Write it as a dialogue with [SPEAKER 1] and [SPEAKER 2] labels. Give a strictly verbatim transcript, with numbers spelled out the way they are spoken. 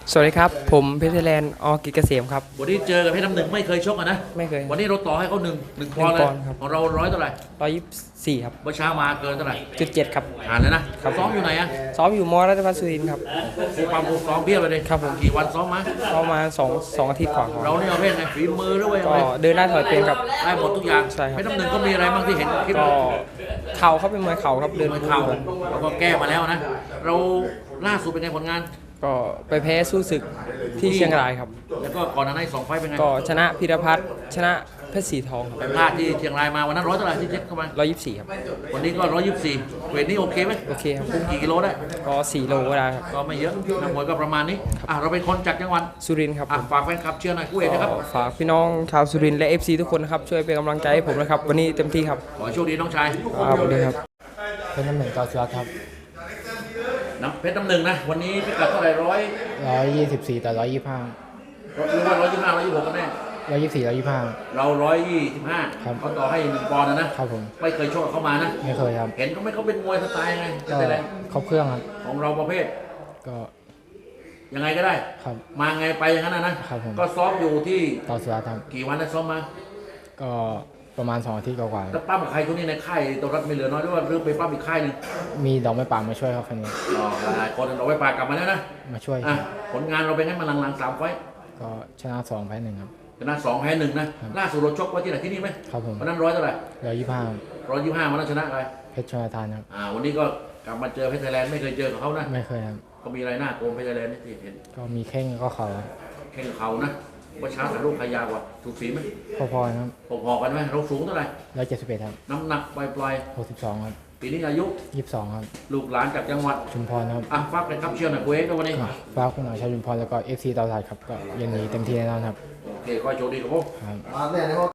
[SPEAKER 1] สวัสดีครับผมเพชรไทยแลนด์อกิจเกษมครับ
[SPEAKER 2] วันนี้เจอกับเพชรน้ำหนึ่งไม่เคยชกอ่ะนะ
[SPEAKER 1] ไม่เคย
[SPEAKER 2] วันนี้เราต่อให้เขาหนึ่งหนึ่งปอนด์เลยของเราร้อยเท่าไหร่
[SPEAKER 1] ร้อยยี่สิบสี่ครับ
[SPEAKER 2] เมื่อเช้ามาเกินเท่าไหร่
[SPEAKER 1] จุดเจ็ดครับ
[SPEAKER 2] ผ่านเลยนะซ้อมอยู่ไหนอ่ะ
[SPEAKER 1] ซ้อมอยู่มอรัตพัฒน์สุรินทร์ครับ
[SPEAKER 2] ครูความครูซ้อมเพียบเลยดิ
[SPEAKER 1] ครับผม
[SPEAKER 2] กี่วันซ้อมมา
[SPEAKER 1] ประมาณสองสองอาทิตย์กว่า
[SPEAKER 2] เราเนี่ยประเภทไงฝีมือหรือว่ายัง
[SPEAKER 1] ก็
[SPEAKER 2] ไง
[SPEAKER 1] เดินหน้าถอยเป็นครับ
[SPEAKER 2] ได้หมดทุกอย่าง
[SPEAKER 1] ใช่ครับ
[SPEAKER 2] เพชรน้ำหนึ่งก็มีอะไรบ้างที่เห็นคลิป
[SPEAKER 1] ก็เข่าเขาเป็นมวยเข่าครับเดิน
[SPEAKER 2] มวยเข่าเราก็แก้มาแล้วนะเราล่าสุดเป็นไงผลงาน
[SPEAKER 1] ก็ไปแพ้สู้ศึกที่เชียงรายครับ
[SPEAKER 2] แล้วก็ก่อนหน้านั้นสองไฟเป็นไง
[SPEAKER 1] ก็ชนะพิรพัฒน์ชนะเพชรสีทองครับ
[SPEAKER 2] ไปพลาดที่เชียงรายมาวันนั้นร้อยเท่าไหร่ที่เช็คเข้ามา
[SPEAKER 1] ร้อยยี่สิบสี่ครับ
[SPEAKER 2] วันนี้ก็ร้อยยี่สิบสี่เวทนี้โอเคไหม
[SPEAKER 1] โอเคครับ
[SPEAKER 2] คุมกี่กิโลได้
[SPEAKER 1] ก็สี่โลก็ได้ครับ
[SPEAKER 2] ก็ไม่เยอะนักมวยก็ประมาณนี้อ่ะเราเป็นคนจากจังหวัด
[SPEAKER 1] สุรินทร์ครับ
[SPEAKER 2] ฝากแฟนคลับเชียร์หน่อยคู่เอกนะครับ
[SPEAKER 1] ฝากพี่น้องชาวสุรินทร์และ เอฟ ซี ทุกคนนะครับช่วยเป็นกำลังใจให้ผมนะครับวันนี้เต็มที่ครับ
[SPEAKER 2] ขอโชคดีน้องชาย
[SPEAKER 1] ครับสวัสดีครับ
[SPEAKER 3] เป็นน้ำหนึ่งต่อสุรัตน์ครับ
[SPEAKER 2] น้ำเพชรน้ำหนึ่งนะวันนี้พิกัดเท่าไหร่ร้อย
[SPEAKER 3] ร้อยยี่สิบสี่ต่อร้อยยี่สิบห้า
[SPEAKER 2] หรือว่าร้อยยี่สิบห้าร้อยยี่สิบหกกันแน่
[SPEAKER 3] ร้อยยี่สิบสี่ร้อยยี่สิบห้า
[SPEAKER 2] เราร้อยยี่สิบห้าเขาต่อให้หนึ่งปอนด์นะนะครับ
[SPEAKER 3] ผม
[SPEAKER 2] ไม่เคยชกเข้ามานะ
[SPEAKER 3] ไม่เคยครับ
[SPEAKER 2] เห็นเขาไม่เขาเป็นมวยสไตล์ไง
[SPEAKER 3] ก็ครบเครื่องครับ
[SPEAKER 2] ของเราประเภท
[SPEAKER 3] ก็
[SPEAKER 2] ยังไงก็ได้
[SPEAKER 3] ครับ
[SPEAKER 2] มาไงไปอย่างนั้นนะนะครับ
[SPEAKER 3] ผม
[SPEAKER 2] ก็ซ้อมอยู่ที่
[SPEAKER 3] ต่อสุรัตน์ครับ
[SPEAKER 2] กี่วันได้ซ้อมมา
[SPEAKER 3] ก็ประมาณสองอาทิตย์กว่าๆ
[SPEAKER 2] แล้วปั้มกับใครทุกนี้ในค่ายตัวรัฐไม่เหลือน้อยหรือว่าเรื่องไปปั้มอีกค่ายหนึ่ง
[SPEAKER 3] มีดอกไม้ป่ามาช่วยครับคนนี้
[SPEAKER 2] อ๋อหลายคนเราไปปากกลับมาแล้วนะ
[SPEAKER 3] มาช่วย
[SPEAKER 2] อ่ะผลงานเราเป็นไงมาหลังๆสามไฟ
[SPEAKER 3] ก็ชนะสองแพ้หนึ่งครับ
[SPEAKER 2] ชนะสองแพ้หนึ่งนะล่าสุดเราชกไว้ที่ไหนที่นี่ไหม
[SPEAKER 3] ครับผม
[SPEAKER 2] วันนั้นร้อยเท่าไหร่
[SPEAKER 3] ร้อยยี่สิบห้า
[SPEAKER 2] ร้อยยี่สิบห้าวันนั้นชนะอะไร
[SPEAKER 3] เพชรชลทานครับ
[SPEAKER 2] อ่าวันนี้ก็กลับมาเจอเพชรไทยแลนด์ไม่เคยเจอกับเขานะ
[SPEAKER 3] ไม่เคยครับ
[SPEAKER 2] ก็มีอะไรหน้าโกงเพชรไทยแลนด์นี่ที่เห็น
[SPEAKER 3] ก็มีแข้งก็เข่า
[SPEAKER 2] แข่งเขานะว่าช้าแต่ลูกขยาวกว่าถูกสีไหม
[SPEAKER 3] พอๆครับ
[SPEAKER 2] พอๆกันไหมเราสูงเท่าไหร่
[SPEAKER 3] ร้อยเจ็ดสิบเอ็ดครับ
[SPEAKER 2] น้ำหนักปล่อย
[SPEAKER 3] หกสิบสองครับ
[SPEAKER 2] ๆปีนี้อายุ
[SPEAKER 3] ยี่สิบสองครับ
[SPEAKER 2] ลูกหลานจากจังหวัด
[SPEAKER 3] ชุมพรครับ
[SPEAKER 2] อ่ะฝากเป็นคำเชื่อหน่อยคุยกันวันนี้
[SPEAKER 3] ฝากคุณหน่อยชาวชุมพรแล้วก็เอฟซีตลาดครับก็ยันนี้เต็มที่แน่นอนครับ
[SPEAKER 2] โอเคขอโชคดีครับผม
[SPEAKER 3] ครับ